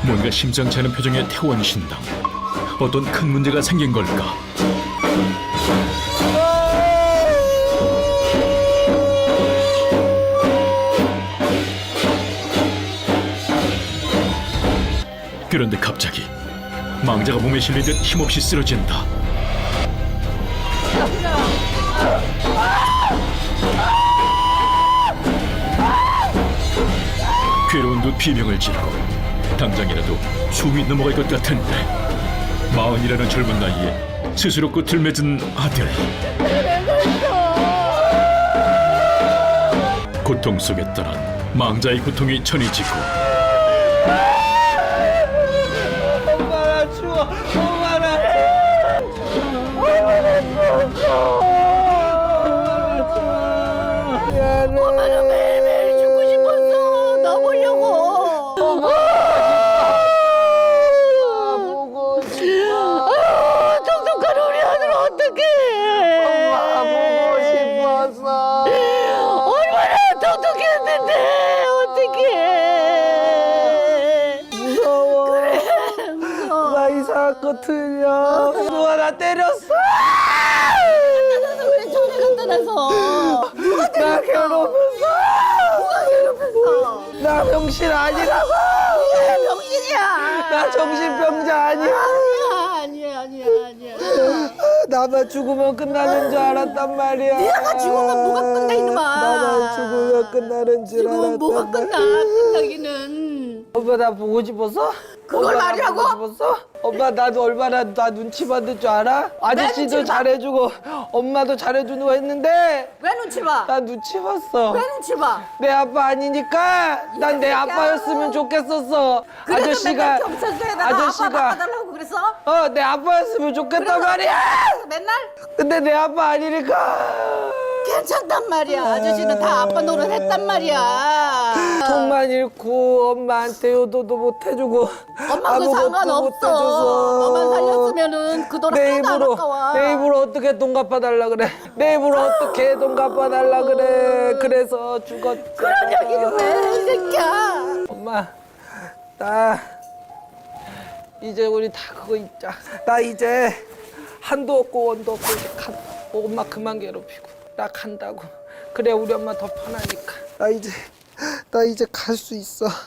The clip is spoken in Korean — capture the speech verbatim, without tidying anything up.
뭔가 심상치 않은 표정의 태원 신당. 어떤 큰 문제가 생긴 걸까? 그런데 갑자기 망자가 몸에 실린 듯 힘없이 쓰러진다. 괴로운 듯 비명을 지르고 당장이라도 숨이 넘어갈 것 같은데 마흔이라는 젊은 나이에 스스로 끝을 맺은 아들. 고통 속에 떠난 망자의 고통이 전해지고 엄마나 추워. 엄마나 엄마나 추워. 미안해. 엄마는 매일매일 죽고 싶었어. 너 보려고. 보고 싶어. 아, 똑똑한 우리 아들 어떡해. 엄마 보고 싶었어. 얼마나 똑똑했는데 어떡해. 무서워. 그래 무서워. 나 이상한 거 틀려. 누가 나 때렸어. 나서 그래 전에 갖다 놔서. 누가 나 때렸어? 괴롭혔어. 누가 괴롭혔어? 나 병신 아니라고. 왜 병신이야? 나 정신병자 아니야. 아니야 아니야 아니야 아니야. 나만 죽으면 끝나는 줄 알았단 말이야. 네가 죽으면 뭐가 끝나, 이놈아. 나만 죽으면 끝나는 줄 지금은 알았단 뭐가 말이야. 끝나 끝나기는. 엄마 나 보고 싶었어? 그걸 엄마 나 말이라고? 보고 싶었어? 엄마 나도 얼마나 나 눈치 받을 줄 알아? 아저씨도 눈치 봐? 잘해주고 엄마도 잘해주고 했는데 왜 눈치 봐? 나 눈치 봤어. 왜 눈치 봐? 내 아빠 아니니까 난 내 아빠였으면 좋겠었어. 그래서 아저씨가 맨날 경찰서에다가 아저씨가 아빠 바꿔달라고 그랬어? 어 내 아빠였으면 좋겠단 그래서 말이야. 맨날 근데 내 아빠 아니니까 괜찮단 말이야. 아저씨는 다 아빠 노릇 했단 말이야. 돈만 잃고 엄마한테 효도도 못 해주고 엄마 그 상관없어. 너만 살렸으면은 그 돈 내 하나도 안 입으로 아까워. 내 입으로 어떻게 돈 갚아달라 그래. 내 입으로 어떻게 돈 갚아달라 그래. 그래서 죽었지. 그런 얘기를 왜 이 새끼야. 엄마 나 이제 우리 다 그거 있자. 나 이제 한도 없고 원도 없고 이제 간다. 엄마 그만 괴롭히고 나 간다고. 그래 우리 엄마 더 편하니까. 나 이제 나 이제 갈 수 있어.